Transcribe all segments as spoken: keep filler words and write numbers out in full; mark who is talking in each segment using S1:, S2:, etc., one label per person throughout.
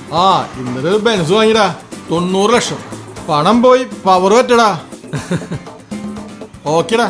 S1: ആ ഇന്നലെ ഒരു ബെൻസ് വാങ്ങിടാ, തൊണ്ണൂറ് ലക്ഷം. പണം പോയി പവർ പറ്റടാ. ഓക്കെടാ.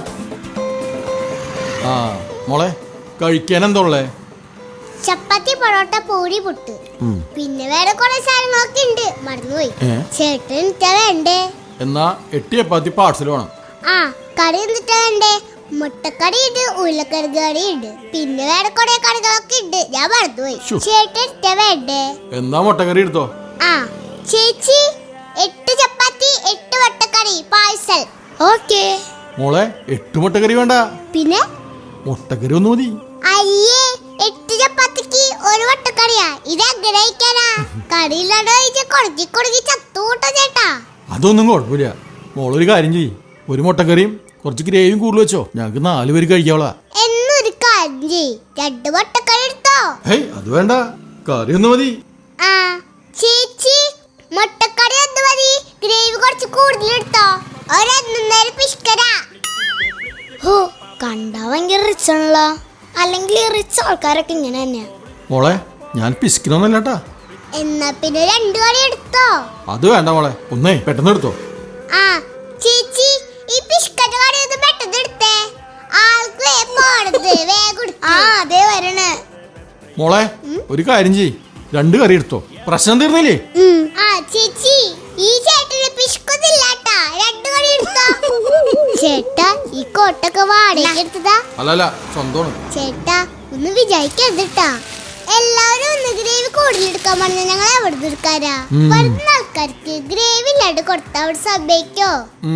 S1: ആ മോളെ കഴിക്കാൻ എന്തോളേ?
S2: ചപ്പാത്തി, പൊറോട്ട, പൂരി, പുട്ട്, പിന്നെ വേറെ കുറെ സാധനങ്ങളൊക്കെ ഉണ്ട്, മറന്നുപോയി. ചേട്ടൻ എന്നിട്ടാ വേണ്ടേ?
S1: എന്നാ എട്ട് ചപ്പാത്തി പാർസൽ വേണം.
S2: ആ കറി എന്നിട്ടാ വേണ്ടേ? മുട്ടക്കറി ഉണ്ട്, ഉരുളക്കറി കറി ഉണ്ട്, പിന്നെ വേറെ കുറെ കറികളൊക്കെ ഉണ്ട്, ഞാൻ മറന്നുപോയി. ചേട്ടൻ എന്നിട്ടാ വേണ്ടേ?
S1: എന്നാ മുട്ടക്കറി എടുത്തോ.
S2: ആ ചേച്ചി, എട്ട് ചപ്പാത്തി, എട്ട് മുട്ടക്കറി പാഴ്സൽ. ഓക്കേ.
S1: മോളെ എട്ട് മുട്ടക്കറി വേണ്ട, പിന്നെ മുട്ടക്കറി ഒന്ന് മതി.
S2: അയ്യേ, എട്ട് ചപ്പാത്തിക്ക് ഒരു മുട്ടക്കറിയാ, ഇത് എങ്ങനെ കഴിക്കാനാ? കറിയില്ലാണ്ട് കൊടുക്കി കൊടുക്കി ചത്തൂട്ടോ ചേട്ടാ.
S1: അതൊന്നും കുഴപ്പമില്ല. മോളൊരു കാര്യം ചെയ്യ്, ഒരു മുട്ടക്കറിയും കുറച്ച് ഗ്രേവിയും കൂടുതൽ വെച്ചോ, ഞങ്ങൾക്ക് നാല് പേര് കഴിക്കാവളാ.
S2: എന്നൊരു കാര്യം ചെയ്യ്, രണ്ട് മുട്ടക്കറി എടുത്തോ.
S1: ഹേയ് അത് വേണ്ട, കറി ഒന്ന് മതി.
S2: ആ ചേച്ചി, മുട്ടക്കറി ഒന്ന് മതി, ഗ്രേവി കുറച്ച് കൂടുതൽ എടുത്തോ. ഒരെന്നേരം പിഷ്കരാ. ഹോ, കണ്ടാ ഭയങ്കര റിച്ച് ആണല്ലോ. അല്ലെങ്കിൽ റിച്ച് ആൾക്കാരൊക്കെ ഇങ്ങനെ തന്നെയാ.
S1: മോളെ ഞാൻ പിശിക്കണമെന്നല്ലാട്ടാ.
S2: എന്നാ പിന്നെ രണ്ടു കറി എടുത്തോ.
S1: അത് വേണ്ട മോളെ, ഒന്നേ പെട്ടെന്ന് എടുത്തോ.
S2: ആ ചേച്ചി, ഈ പിഷ്കറ്റ കറി ഒന്ന് പെട്ടെന്ന് എടുത്തേ, ആൾക്ക് പോണത് വേഗം. ആ അതെ വരണേ.
S1: മോളെ ഒരു കാര്യം ചെയ്യ്, രണ്ട് കറി എടുത്തോ, പ്രശ്നം തീർന്നില്ലേ?
S2: ആ ചേച്ചി, ഈ ചേട്ടന് പിഷ്കൊന്നില്ലാട്ടാ, രണ്ട് കറി എടുത്തോ. ചേട്ടാ, ഈ കോട്ടൊക്കെ വാടകയ്ക്ക് എടുത്തതാ?
S1: അല്ലല്ല, സ്വന്തമാണ്.
S2: ചേട്ടാ ഒന്ന് വിചാരിക്കരുതട്ടാ, എല്ലാവരും ഒന്ന് ഗ്രേവി കൂടുതലെടുക്കാൻ പറഞ്ഞ ഞങ്ങൾ എവിടെ എടുക്കാരാ? വരുന്ന ആൾക്കാർക്ക് ഗ്രേവി ഇല്ലാണ്ട് കൊടുത്താ അവിടെ സമ്മതിക്കോ?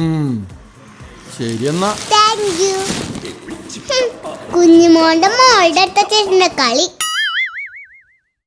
S1: ശരി എന്നാ.
S2: Thank you. കുഞ്ഞുമോന്റെ മോളുടെ അടുത്ത ചേട്ടന്റെ കളി